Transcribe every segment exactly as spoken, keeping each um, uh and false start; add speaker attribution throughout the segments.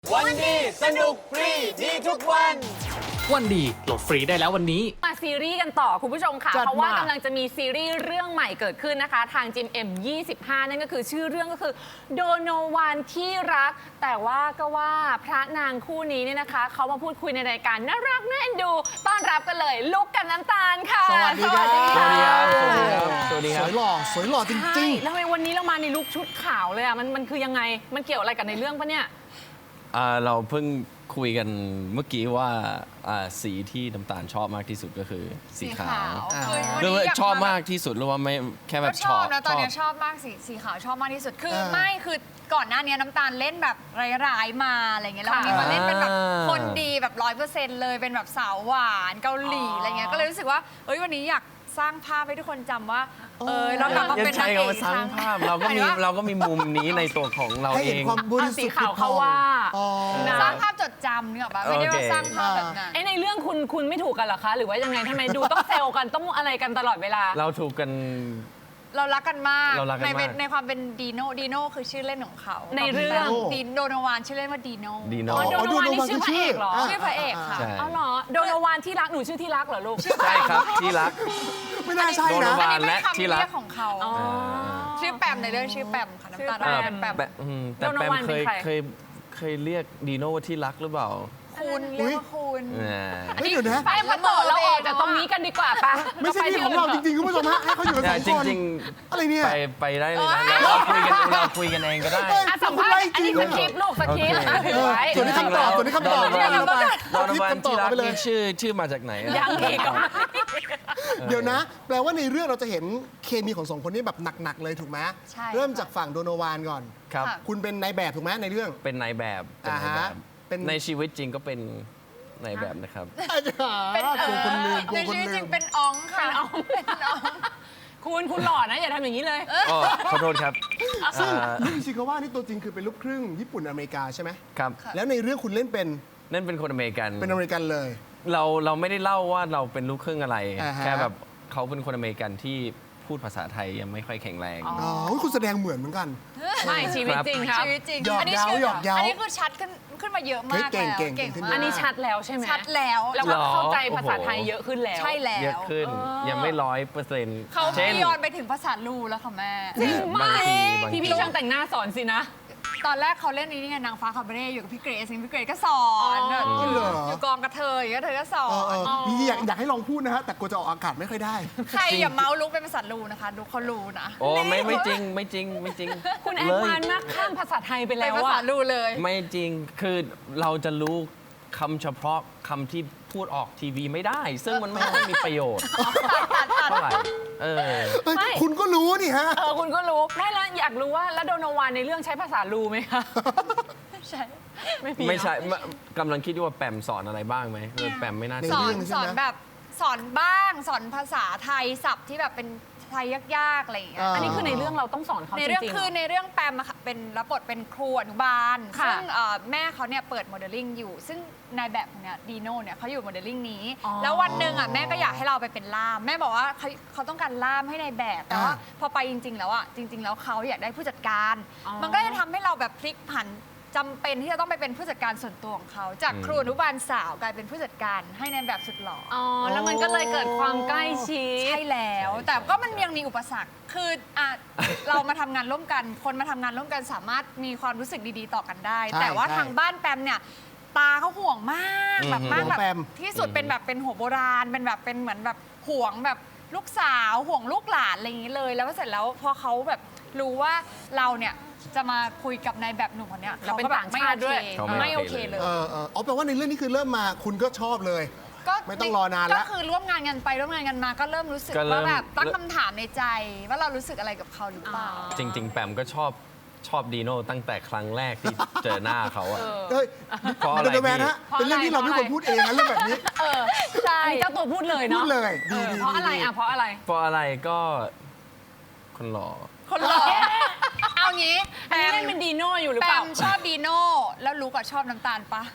Speaker 1: วันดีสนุกฟรีดีทุกวัน
Speaker 2: วันดีโหลดฟรีได้แล้ววันนี้
Speaker 3: มาซีรีส์กันต่อคุณผู้ชมค่ะเพราะว่ากำลังจะมีซีรีส์เรื่องใหม่เกิดขึ้นนะคะทางจิม เอ็ม ยี่สิบห้า นั่นก็คือชื่อเรื่องก็คือโดโนวานที่รักแต่ว่าก็ว่าพระนางคู่นี้เนี่ยนะคะเขามาพูดคุยในรายการน่ารักน่าเอ็นดูต้อนรับกันเลยลุกกับน้ำตาลค่ะ
Speaker 4: สวัสดีครับ
Speaker 1: สวัสดีครับสวัสดีครับ
Speaker 4: สวยหล่อสวยหล่อจริง
Speaker 3: ๆแล้วทำไมวันนี้เรามาในลุคชุดขาวเลยอ่ะมันมันคือยังไงมันเกี่ยวอะไรกับในเรื่องปะเนี่ย
Speaker 1: อ่าเราเพิ่งคุยกันเมื่อกี้ว่าอ่าสีที่น้ำตาลชอบมากที่สุดก็คือสีขาว
Speaker 4: อ่า
Speaker 1: หรือว่าชอบมากที่สุดหรือว่าไม่แค่แบบ
Speaker 5: ก็
Speaker 1: ช
Speaker 5: ช
Speaker 1: อ
Speaker 5: อ
Speaker 1: บบ
Speaker 5: นะตอนนี้ชอบมากสีสีขาวชอบมากที่สุดคือ
Speaker 4: เออ
Speaker 5: ไม่คือก่อนหน้านี้น้ำตาลเล่นแบบร้ายๆมาอะไรเงี้ยแล้ววันนี้มาเล่นเป็นแบบคนดีแบบร้อยเปอร์เซ็นต์เลยเป็นแบบสาวหวานเกาหลีอะไรเงี้ยก็เลยรู้สึกว่าเอ้ยวันนี้อยากสร้างภาพให้ทุกคนจำว่าเออเรากลับมา
Speaker 1: ยัง
Speaker 5: เป็น
Speaker 1: ใช้
Speaker 5: นางเอก
Speaker 1: คำว่าสร้างภาพเราก็มี
Speaker 5: หยถึงว่
Speaker 1: เราก็มีมุมนี้ในตัวของเรา
Speaker 4: ๆ ให้
Speaker 1: เอ
Speaker 4: เห็น
Speaker 1: ง
Speaker 4: ความบริสุทธิ์
Speaker 3: สีขาวเขาว่า
Speaker 4: อ๋อ
Speaker 3: นะ
Speaker 5: สร้างภาพจดจำเนี่ยหรอปะไม่ได้
Speaker 1: โอ
Speaker 5: ว่า
Speaker 1: เค
Speaker 5: สร้างภาพแบบนั้น
Speaker 3: ไอ้ในเรื่องคุณคุณไม่ถูกกันเหรอคะหรือว่ายังไงทำไมดูต้องเซลกันต้องอะไรกันตลอดเวลา
Speaker 1: เราถูกกัน
Speaker 5: เรารักกันมาก
Speaker 1: เรารักกัน
Speaker 5: ใน
Speaker 1: มาก
Speaker 5: ในความเป็นดีโน่ดีโน่คือชื่อเล่นของเขา
Speaker 3: ในเรื่อง
Speaker 5: ดีโดโนวานชื่อเล่นว่าดีโน่
Speaker 1: ดี
Speaker 3: อ๋
Speaker 1: โน่
Speaker 3: อโดโนวานนี่ชื่อพระเอกเหรอ
Speaker 5: ชื่อพระเอกค่ะ
Speaker 1: ใช่
Speaker 3: อ๋อเหรอโดโนวานที่รักหนูชื่อที่รักเหรอลูก
Speaker 1: ใช่ครับที่รัก
Speaker 4: ไม่น่าใช่
Speaker 1: โดน
Speaker 4: นะ
Speaker 1: วา
Speaker 5: อันนี้
Speaker 1: และ
Speaker 5: เป็นคำ
Speaker 1: ที่รัก
Speaker 5: เรียกของเขา
Speaker 3: อ๋อ
Speaker 5: ชื่อแปมในเรื่องชื่อแปมค่ะน้ำตาล
Speaker 3: ชื่อ
Speaker 5: เป็นแปม
Speaker 1: แปมอืมแต่
Speaker 3: โดโน
Speaker 1: แปม
Speaker 3: วาน
Speaker 1: เค
Speaker 3: เป็น
Speaker 1: ย
Speaker 3: ใคร
Speaker 1: เคยเคยเรียกดีโน่ว่าที่รักหรือเปล่า
Speaker 5: คุณเรียกว่าคุณ
Speaker 1: อ่า
Speaker 4: เฮ้ยเดี๋ยวนะ
Speaker 3: ไปมาต่อเราออกจากตรงนี้กันดีกว่าปะ
Speaker 4: ไม่ใช่ที่ของเราจริงๆคุณผู้ชมฮะให้เขาอยู่กันสอง
Speaker 1: จ
Speaker 4: คน
Speaker 1: ริง
Speaker 4: อะไรเนี่ย
Speaker 1: ๆ ไปไปได้เลยนะเราเราคุยกันเราคุยกันเองก็ได้
Speaker 4: เฮ้ย
Speaker 3: อ่ะสัมภาษณ์อันนี้สคริปต์ลูกสคริปต์อ่ะถือไว้
Speaker 4: ส่วนนี้คำตอบส่วนนี้คำตอบ
Speaker 1: โดน
Speaker 4: ไม่ได้
Speaker 1: วัน
Speaker 4: แล้วไป
Speaker 1: โดนวัน
Speaker 4: คำตอบ
Speaker 1: ที่รัก
Speaker 4: ไปเลย
Speaker 1: นี่ชื่อชื่อมาจากไหนอะ
Speaker 3: ยังอีกเหรอ
Speaker 4: เดี๋ยวนะ แปลว่าในเรื่องเราจะเห็นเคมีของสองคนนี้แบบหนักๆเลยถูกไหม
Speaker 5: ใช่
Speaker 4: เริ่มจากฝั่งโดโนวานก่อน
Speaker 1: ครับ
Speaker 4: คุณเป็นนายแบบถูกไหมในเรื่อง
Speaker 1: เป็นนายแบบเป็นนาย
Speaker 4: อ่า
Speaker 1: แบ
Speaker 4: ฮะ
Speaker 1: บ
Speaker 4: เป็น
Speaker 1: ในชีวิตจริงก็เป็นนายแบบนะครับ
Speaker 4: อาจารย์กลัวคนลืมกลั
Speaker 5: ใน
Speaker 4: วคน
Speaker 5: ชื่อ
Speaker 4: ลื
Speaker 5: จริ
Speaker 4: ม
Speaker 5: งเป็นอ๋องค่ะ
Speaker 3: เป็นอ๋อง คุณคุณหล่อนะอย่าทำอย่างนี้เลย
Speaker 1: อ๋อขอโทษครับ
Speaker 4: ซึ่ง
Speaker 1: อ่า
Speaker 4: นี่ชิคาว่านี่ตัวจริงคือเป็นลูกครึ่งญี่ปุ่นอเมริกาใช่ไหม
Speaker 1: ครับ
Speaker 4: แล้วในเรื่องคุณเล่นเป็น
Speaker 1: นั่นเป็นคนอเมริกัน
Speaker 4: เป็นอเมริกันเลย
Speaker 1: เราเราไม่ได้เล่าว่าเราเป็นลูกครึ่งอะไร
Speaker 4: อ่าฮะ
Speaker 1: แค่แบบเขาเป็นคนอเมริกันที่พูดภาษาไทยยังไม่ค่อยแข็งแรง
Speaker 3: อ๋อ
Speaker 4: อ๋อเฮ้ยคุณแสดงเหมือนเหมือนกัน
Speaker 3: ไม่ชีวิตจริงครับ
Speaker 5: ชีวิตจริง
Speaker 4: หยอก
Speaker 5: อันนี้
Speaker 4: เย้า
Speaker 5: ชื่
Speaker 4: หยอกเย้า
Speaker 5: อันนี้คือชัดขึ้นขึ้นมาเยอะมาก
Speaker 4: เฮ้ยเก่ง
Speaker 5: แล้ว
Speaker 4: เก่งเก่งขึ้น
Speaker 5: มา
Speaker 4: เย
Speaker 3: อัน
Speaker 5: ก
Speaker 3: นี้ชัดแล้วใช่ไหม
Speaker 5: ชัดแล้ว
Speaker 3: แล้วก็เข้าใจ
Speaker 1: หรอ
Speaker 3: ภาษาไทย
Speaker 1: โอ้โห
Speaker 3: เยอะขึ้นแล้ว
Speaker 5: ใช่แล้ว
Speaker 1: เยอะขึ้น
Speaker 3: เออ
Speaker 1: ยังไม่ร้อยเปอร์เซ็นต์
Speaker 5: เขา
Speaker 1: เช่น
Speaker 5: ไม่ยอนไปถึงภาษาลูแล้วค่ะแม่
Speaker 3: จริง
Speaker 1: บาม
Speaker 3: าง ก
Speaker 1: ทีบาง
Speaker 3: พี่
Speaker 1: ที
Speaker 3: พี่ช่างแต่งหน้าสอนสินะ
Speaker 5: ตอนแรกเขาเล่นนี้ไงนางฟ้าคาเบเร่อยู่กับพี่เกรซพี่เกรซก็สอน
Speaker 3: อ๋อ
Speaker 5: อยู่
Speaker 4: เหรอ
Speaker 5: อยู่กองกระเทยก็เธอก็สอ
Speaker 4: เออน เออจริงๆอยากอยากให้ลองพูดนะฮะแต่กลัวจะออกอากาศไม่ค่อยได้
Speaker 5: ใครอย่าเมาส์ลุกเป็นภาษาลูนะคะดูเขารู้นะ
Speaker 1: โอ้ไม่ไม่จริงไม่จริงไม่จริง
Speaker 3: คุณแอ
Speaker 1: เล
Speaker 3: ด
Speaker 1: ย
Speaker 3: วานซ์มากข้ามภาษาไทยไป
Speaker 5: เป็
Speaker 3: แล้
Speaker 5: น
Speaker 3: ว
Speaker 5: ภาษา
Speaker 3: อะ
Speaker 5: ลูเลย
Speaker 1: ไม่จริงคือเราจะรู้คำเฉพาะคำที่พูดออกทีวีไม่ได้ ซึ่งมันไม่ค่อยมีประโยชน์เท่าไหร่เออ
Speaker 4: เฮ้ย
Speaker 3: ไม่
Speaker 4: คุณก็รู้นี่ฮะ
Speaker 3: เออคุณก็รู้ไม่แล้วอยากรู้ว่าแล้วโดโนวานในเรื่องใช้ภาษาลูไหมคะ
Speaker 5: ใช่
Speaker 3: ไม่มี
Speaker 1: ไม่ใช่
Speaker 3: เนอะ
Speaker 1: กำลังคิดว่าแปมสอนอะไรบ้างไหมเออแปมไม่น่า
Speaker 4: ใน
Speaker 1: จะ
Speaker 5: สอ
Speaker 4: เรื่
Speaker 5: น
Speaker 4: องใช่
Speaker 5: ส
Speaker 4: ไหม
Speaker 5: อนแบบสอนบ้างสอนภาษาไทยศัพท์ที่แบบเป็นไทยยากๆอะไรอย่างเงี้ย
Speaker 4: อ่า
Speaker 3: อันนี้คือในเรื่องเราต้องสอนเขาจ
Speaker 5: ใน
Speaker 3: ริงๆ
Speaker 5: เรื่อง
Speaker 3: หร
Speaker 5: คือในเรื่องแปมอะค่ะเป็นรับบทเป็นครูอนุบาล
Speaker 3: ค่ะ
Speaker 5: ซึ่งเอ่อแม่เขาเนี่ยเปิดโมเดลลิ่งอยู่ ซึ่งนายแบบคนเนี้ยดีโน่เนี่ยเขาอยู่โมเดลลิ่งนี้
Speaker 3: อ๋อ
Speaker 5: แล้ววันหนึ่งอ่ะแม่ก็อยากให้เราไปเป็นล่าม แม่บอกว่าเขาเขาต้องการล่ามให้นายแบบ แต่ว่า
Speaker 4: อ่า
Speaker 5: พอไปจริง ๆ แล้วอ่ะจริง ๆ แล้วเขาอยากได้ผู้จัดการ
Speaker 3: อ๋อ
Speaker 5: มันก็จะทำให้เราแบบพลิกผันจำเป็นที่จะต้องไปเป็นผู้จัดการส่วนตัวของเขาจากครูอนุบาลสาวกลายเป็นผู้จัดการให้นายแบบสุดหล่ออ
Speaker 3: อ๋อแล้วมันก็เลยเกิดความใกล้ชิด
Speaker 5: ใช่แล้ว แต่ก็มันยังมีอุปสรรค คืออ่ะ เรามาทำงานร่วมกัน คนมาทำงานร่วมกันสามารถมีความรู้สึกดีๆต่อกันได้
Speaker 4: ใช่
Speaker 5: แต่ว่า
Speaker 4: ใช่
Speaker 5: ทางบ้านแปมเนี่ย ตาเขาห่วงมาก
Speaker 1: อืม
Speaker 5: แบบมาก
Speaker 4: ห่วง
Speaker 5: แบบ
Speaker 4: แปม
Speaker 5: ที่สุดเป็นแบบเป็นหัวโบราณ เป็นแบบเป็นเหมือนแบบห่วงแบบลูกสาวห่วงลูกหลานอะไรอย่างนี้เลย แล้วเสร็จแล้วพอเขาแบบรู้ว่าเราเนี่ยจะมาคุยกับนายแบบหนุ่มคนเนี้ย
Speaker 3: แล้วเป็น
Speaker 5: ขก็แบบ
Speaker 3: ต่างชาติด้วย
Speaker 1: เขาไม่
Speaker 5: ไม่
Speaker 1: โอ
Speaker 5: โอ
Speaker 1: เค
Speaker 5: เคเลย
Speaker 4: เออเอออ๋อแปลว่าในเรื่องนี้คือเริ่มมาคุณก็ชอบเลย
Speaker 5: ก็
Speaker 4: ไม่ต้องรอนานละ
Speaker 5: ก็คือร่วมงานกันไปร่วมงานกันมาก็เริ่มรู้สึก
Speaker 1: ก็เริ่
Speaker 5: ว่าม แบบตั้งคำถามในใจ ว่าเรารู้สึกอะไรกับเขาหรือเปล่า
Speaker 1: จริง ๆ แปมก็ชอบชอบดีโน่ตั้งแต่ครั้งแรกที่เจอหน้าเขาอะ
Speaker 4: เฮ้ย
Speaker 1: เพราะอะไร
Speaker 4: เดนแมน
Speaker 1: พี่
Speaker 4: ฮะเป็นเรื่องที่เราไม่ควรพูดเองนะเรื่องแบบนี้
Speaker 3: เออใช่เจ้าตัวพูดเลย
Speaker 4: พู
Speaker 3: เนาะ
Speaker 4: ดเลย
Speaker 3: เอ
Speaker 4: ดี
Speaker 3: อ
Speaker 4: ดี
Speaker 3: เพราะอะไร
Speaker 4: ดี
Speaker 3: อ่ะเพราะอะไร
Speaker 1: เพราะอะไรก็คนหล่อ
Speaker 5: คนหล่อเอางี้
Speaker 3: อันนี้เล่นเป็นดีโน่อยู่หรือ
Speaker 5: แป
Speaker 3: เปล่า
Speaker 5: มชอบดีโน่แล้วรู้กับชอบน้ำตาลปะ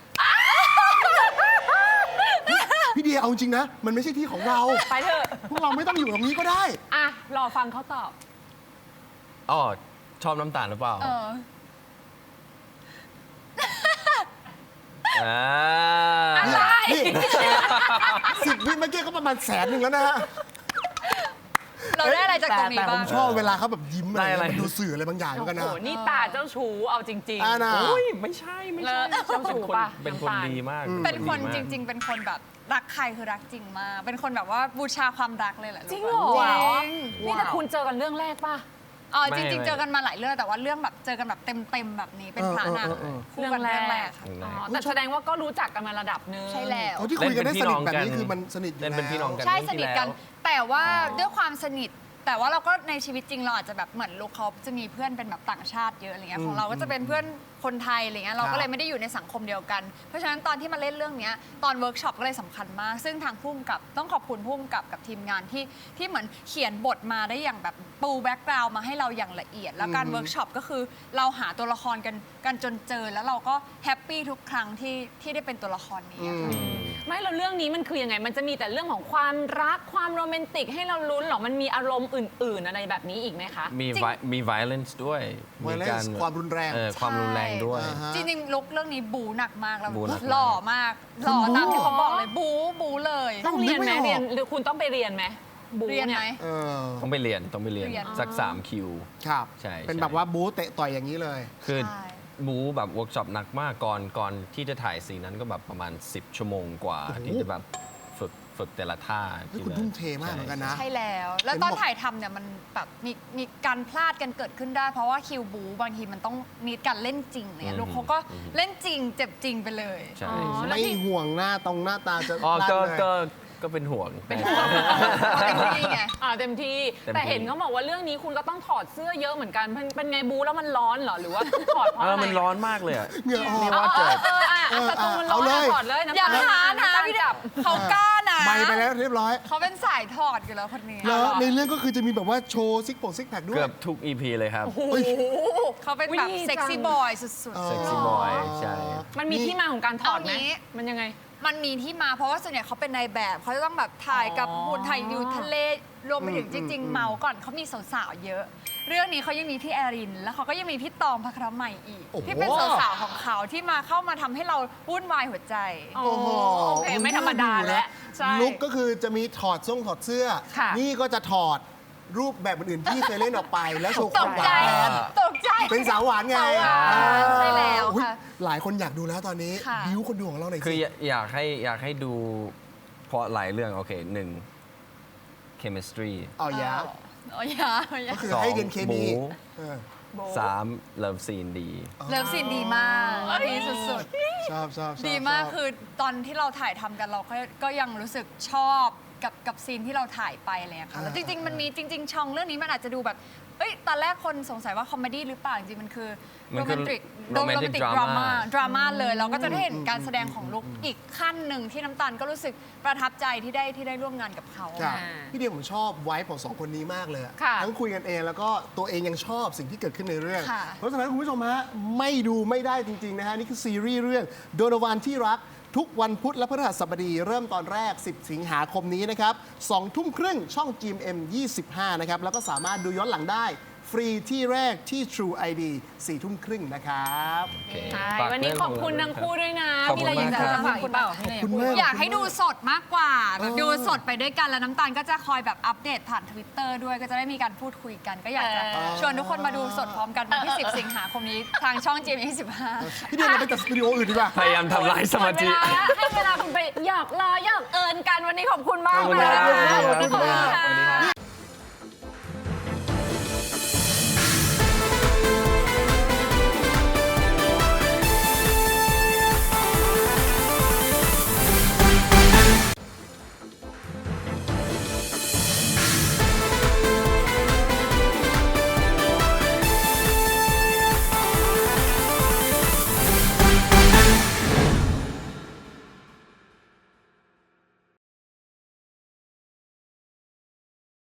Speaker 4: พี่เดียเอาจริงนะ มันไม่ใช่ที่ของเรา
Speaker 3: ไปเถอะ
Speaker 4: พวกเราไม่ต้องอยู่ตรงนี้ก็ได้
Speaker 3: อ่ะรอฟังเขาตอบ
Speaker 1: อ๋อชอบน้ำตาลหรือเปล่า
Speaker 5: เออ
Speaker 4: สิบวิเมื่อกี้ก็ประมาณแสนหนึ่งแล้วนะฮะ
Speaker 5: เราได้อะไรจากตรงนี้
Speaker 4: แต่แต่ผ
Speaker 5: บ้าง
Speaker 4: มชอบเวลาเขาแบบยิ้มอะไร
Speaker 1: ได้อะไร
Speaker 4: มันดูสื่ออะไรบางอย่างเหมื
Speaker 3: โอ้
Speaker 4: อนกัน
Speaker 3: โห
Speaker 4: นะ
Speaker 3: นี่ตาเจ้าชู้เอาจริง
Speaker 4: อ่านะ
Speaker 1: อุ้ยไม่ใช่ไม่
Speaker 3: แล้
Speaker 1: ใช่
Speaker 3: วเจ้าชู้
Speaker 1: เป็นคน
Speaker 3: ป่ะ
Speaker 1: เป็นคน
Speaker 3: ำตาล
Speaker 1: ดีมาก
Speaker 5: เป็นคน
Speaker 1: ดีมาก
Speaker 5: จริง ๆ เป็นคนแบบรักใครคือรักจริงมาก เป็นคนแบบว่าบูชาความรักเลยแหละ
Speaker 3: จริงเหรอ
Speaker 5: จริง
Speaker 3: นี่แต่คุณเจอกันเรื่องแรกป่ะ
Speaker 5: อ๋อ
Speaker 1: ไม่
Speaker 5: จริง
Speaker 1: ไม่
Speaker 5: ๆ เจอกันมาหลายเรื่องแต่ว่าเรื่องแบบเจอกันแบบเต็มๆแบบนี้เป็นพระนาง
Speaker 4: เออเออเออ
Speaker 5: คู่กันเรื่องแรกค่ะ
Speaker 3: อ๋อแต่แสดงว่าก็รู้จักกันมาระดับหนึง
Speaker 5: ใช่แล้ว
Speaker 4: เขาที่คุยกันได้สนิทแบบนี้คือมันสนิทอยู่
Speaker 1: เล่นเป็นพี่น้องกัน
Speaker 5: ใช่
Speaker 1: เรื่อง
Speaker 5: ส
Speaker 1: ที่
Speaker 5: นิท
Speaker 1: แล้ว
Speaker 5: กัน แต่ว่าด้วยความสนิท แต่ว่าเราก็ในชีวิตจริงเราอาจจะแบบเหมือนลูกเขาจะมีเพื่อนเป็นแบบต่างชาติเยอะอะไรเงี้ยของเราก็จะเป็นเพื่อนคนไทยอะไรเงี้ยเราก็เลยไม่ได้อยู่ในสังคมเดียวกัน เพราะฉะนั้นตอนที่มาเล่นเรื่องเนี้ยตอนเวิร์กช็อปก็เลยสำคัญมาก ซึ่งทางพุ่มกับต้องขอบคุณพุ่มกับกับทีมงานที่ที่เหมือนเขียนบทมาได้อย่างแบบปูแบ็กกราวด์มาให้เราอย่างละเอียด แล้วการเวิร์กช็อปก็คือเราหาตัวละครกันกันจนเจอ แล้วเราก็แฮปปี้ทุกครั้งที่ที่ได้เป็นตัวละครนี้อะค่ะ
Speaker 3: ไม่แล้วเรื่องนี้มันคือยังไง มันจะมีแต่เรื่องของความรักความโรแมนติกให้เราลุ้นหรอ มันมีอารมณ์อื่น ๆ อะไรแบบนี้อีกไหมคะ
Speaker 1: มี
Speaker 5: จริง
Speaker 1: vi- มี violence ด้วยมี
Speaker 4: violence ความรุนแรง
Speaker 1: เออความรุนแรงด้วย
Speaker 4: อ่าฮะ
Speaker 5: จริงๆลุกเรื่องนี้บูหนักมากแล้ว
Speaker 1: บูหนักมาก
Speaker 5: หล่อมากหล่อตามที่เขาบอกเลยบูบูเลย
Speaker 3: ต้องเรียนไหม
Speaker 4: นึกไม่ออก
Speaker 3: เรียนหรือคุณต้องไปเรียนไหมบู๊
Speaker 5: เรียนไหม
Speaker 3: ย
Speaker 4: เออ
Speaker 1: ต้องไปเรียนต้องไปเรียน
Speaker 5: เรียน
Speaker 1: สักสามคิว
Speaker 4: ครับ
Speaker 1: ใช่
Speaker 4: เป็น
Speaker 1: ใช่
Speaker 4: แบบว่าบู๊เตะต่อยอย่างนี้เลย
Speaker 1: คือ
Speaker 5: ใช่
Speaker 1: บูแบบเวิร์กช็อปหนักมากก่อนก่อนที่จะถ่ายซีนนั้นก็แบบประมาณ สิบ ชั่วโมงกว่า
Speaker 4: โอ้โห
Speaker 1: ที่จะแบบฝึกฝึกแต่ละท่า
Speaker 4: เฮ้ย
Speaker 1: ที่
Speaker 4: คุณ
Speaker 1: แบบ
Speaker 4: ทุ่มเทมากเหมือนกันนะ
Speaker 5: ใช่แล้ว แล้ว
Speaker 4: เห็น
Speaker 5: ตอน
Speaker 4: บอก
Speaker 5: ถ่ายทำเนี่ยมันแบบมีมีการพลาดกันเกิดขึ้นได้ เพราะว่าคิวบูบางทีมันต้องมีการเล่นจริงเนี่ยลูกเขาก็เล่นจริงเจ็บจริงไปเลย
Speaker 1: ใช่
Speaker 3: อ๋อ
Speaker 4: ไม่ห่วงหน้าตรงหน้าตาจะ
Speaker 1: อ๋อ
Speaker 4: ลั่น
Speaker 1: ก็
Speaker 4: เลย
Speaker 1: ก็ก็เป็นห่วง
Speaker 3: เป็นห่วง
Speaker 5: เต็มที่ไง
Speaker 3: อ่าเต็มที่
Speaker 1: เต็มที่
Speaker 3: แต่เห็นเขาบอกว่าเรื่องนี้คุณก็ต้องถอดเสื้อเยอะเหมือนกันเป็นเป็นไงบู๊แล้วมันร้อนเหรอ หรือว่าถอดเพราะ
Speaker 1: เอ
Speaker 3: อะ
Speaker 1: อ
Speaker 3: ไร
Speaker 1: มันร้อนมากเลยอะ
Speaker 4: เหงื่อออก
Speaker 1: นี่
Speaker 3: เอ
Speaker 1: ว่า
Speaker 3: อเอ
Speaker 1: เกิ
Speaker 3: อ
Speaker 1: ด
Speaker 3: เอออ่ะอ่ะสตูมันร้อน
Speaker 4: เอาเลย
Speaker 3: อ่ะถอดเลยน้ำ
Speaker 5: อย่า
Speaker 3: ตาล
Speaker 5: ท้านะ
Speaker 3: น้ำตาล
Speaker 5: พี่เด็
Speaker 3: จั
Speaker 5: กเขากล้านะ
Speaker 4: ไม่ไปแล้วเรียบร้อย
Speaker 5: เขาเป็นสายถอดอยู่แล้วคนนี้
Speaker 4: แล้วในเรื่องก็คือจะมีแบบว่าโชว์ซิกโปกซิกแพคด้วย
Speaker 1: เกือบทุก อี พี เลยครับ
Speaker 4: เฮ้ย
Speaker 5: เขาเป็นแบบ
Speaker 3: อุ๊ย
Speaker 5: เซ็กซี่
Speaker 3: จัง
Speaker 5: บอยสุด
Speaker 1: เซ็กซี่บอยใช่
Speaker 3: มันมีที่มาของการถอดไหม
Speaker 5: เอางี้
Speaker 3: มันยังไง
Speaker 5: ๆ มันมีที่มาเพราะว่าส่วนใหญ่เขาเป็นนายแบบเขาจะต้องแบบถ่ายกับ
Speaker 3: อ๋อ
Speaker 5: หุ่นถ่ายอยู่ทะเลรวมไปถึง
Speaker 4: อืม
Speaker 5: จริง
Speaker 4: อืม
Speaker 5: ๆ เมาก่อนเขามีสาวๆเยอะ เรื่องนี้เขายังมีพี่แอริน แล้วเขาก็ยังมีพี่ตองพระครใหม่อีก
Speaker 4: โอ้โห
Speaker 5: ที่เป็นสาวๆของเขาที่มาเข้ามาทำให้เราวุ่นวายหัวใจ
Speaker 3: โอ้โหโอเคไม่ธรรมดาแล้วใช่
Speaker 4: ลุกก็คือจะมีถอดทรงถอดเสื้อ
Speaker 3: ค่ะ
Speaker 4: นี่ก็จะถอดรูปแบบอื่นๆที่เคยเล่นออกไป แล้วโชว์ค
Speaker 5: ต
Speaker 4: วาม
Speaker 5: ก
Speaker 4: หวา
Speaker 5: ใจ
Speaker 4: นแทน
Speaker 5: ตกใจ
Speaker 4: เป็นสาวหวานไง
Speaker 5: สาวหวาน
Speaker 4: อ่า
Speaker 5: ใช่แล้ว
Speaker 4: อุ๊ย
Speaker 5: ค่ะ
Speaker 4: หลายคนอยากดูแล้วตอนนี้
Speaker 5: ค่ะ
Speaker 4: บิวคนดูของเราหน่อย
Speaker 1: คือ
Speaker 4: สิ
Speaker 1: อยากอยากให้อยากให้ดูเพราะหลายเรื่อง โอเคหนึ่ง chemistry
Speaker 4: เอาอย่า
Speaker 5: อ๋ออย่าอ๋ออย่า
Speaker 4: ก็คือให้เรียนเคมี
Speaker 1: บู๊
Speaker 4: เออ
Speaker 1: สาม love scene ดี
Speaker 5: เลิฟซีนดีมากดีสุดๆ
Speaker 4: ชอบชอบชอบ
Speaker 5: ดีมาก
Speaker 4: ชบ
Speaker 5: คือตอนที่เราถ่ายทำกันเราก็ก็ยังรู้สึกชอบกับกับซีนที่เราถ่ายไปอะไรอย่างเงี้ยค่ะแล้วจริง ๆ มันมีจริง ๆ ช่องเรื่องนี้มันอาจจะดูแบบเอ้ยตอนแรกคนสงสัยว่าคอมเมดี้หรือเปล่าจริงๆมันคือ
Speaker 1: มั
Speaker 5: โร
Speaker 1: น
Speaker 5: แม
Speaker 1: คือน
Speaker 5: ติก
Speaker 1: romantic
Speaker 5: ดราม่า
Speaker 1: drama
Speaker 5: ดราม่าเลยเราก็จะได้เห็นการแสดงของลุกอีกขั้นหนึ่งที่น้ำตาลก็รู้สึกประทับใจที่ได้ที่ได้ร่วมงานกับเขา
Speaker 4: ครับ
Speaker 3: อ่า
Speaker 4: พี่เดียผมชอบไว้ของสองคนนี้มากเลยอะ
Speaker 3: ค่ะ
Speaker 4: ทั้งคุยกันเองแล้วก็ตัวเองยังชอบสิ่งที่เกิดขึ้นในเรื่อง
Speaker 5: ค่ะ
Speaker 4: เพราะฉะนั้นคุณผู้ชมฮะไม่ดูไม่ได้จริง ๆ นะฮะ นี่คือซีรีส์เรื่องโดโนวานที่รัก ทุกวันพุธและพฤหัสบดี เริ่มตอนแรก สิบ สิงหาคมนี้นะครับสองทุ่มครึ่งช่อง จี เอ็ม เอ็ม ยี่สิบห้า นะครับ แล้วก็สามารถดูย้อนหลังได้ ฟรีที่แรกที่ True ไอ ดี สี่ทุ่มครึ่งนะครับ
Speaker 1: โอเค
Speaker 3: ใช่
Speaker 1: ฝาก
Speaker 3: วันนี้
Speaker 1: เรื่ง
Speaker 3: ขอบคุณ
Speaker 1: ข
Speaker 3: ทั้งคู่ด้วยนะ
Speaker 1: ขอบ
Speaker 3: มี
Speaker 1: คุ
Speaker 3: อะไร
Speaker 1: ณ
Speaker 3: อยาก
Speaker 1: มาก
Speaker 3: จะ
Speaker 1: ครับ
Speaker 3: ฝากอีกเปล่า
Speaker 4: ขอบคุณมาก
Speaker 5: อยากให้ดูสดมากกว่าแบบ
Speaker 4: เออ
Speaker 5: ดูสดไปด้วยกันแล้วน้ำตาลก็จะคอยแบบอัปเดตผ่าน Twitter ด้วยก็จะได้มีการพูดคุยกัน ก็อยากจะ
Speaker 3: เออ
Speaker 5: ชวนทุกคนมาดูสดพร้อมกันวันที่ สิบ สิงหาคมนี้ทางช่อง จี เอ็ม เอ็ม ยี่สิบห้า
Speaker 4: พี่เดียเราไปจัดสตูดิโออื่นดีกว่า
Speaker 1: พยายามทำลายสมาธิ
Speaker 3: หดเวลาแล้วให้เวลาคุณไปหยอกล้อหยอกเอิญกันวันนี้ขอบคุณมาก
Speaker 1: ขอบคุณ
Speaker 3: เลย
Speaker 1: ครับ
Speaker 3: นะ
Speaker 4: ขอบคุณครับ
Speaker 3: ขอบคุณค่ะ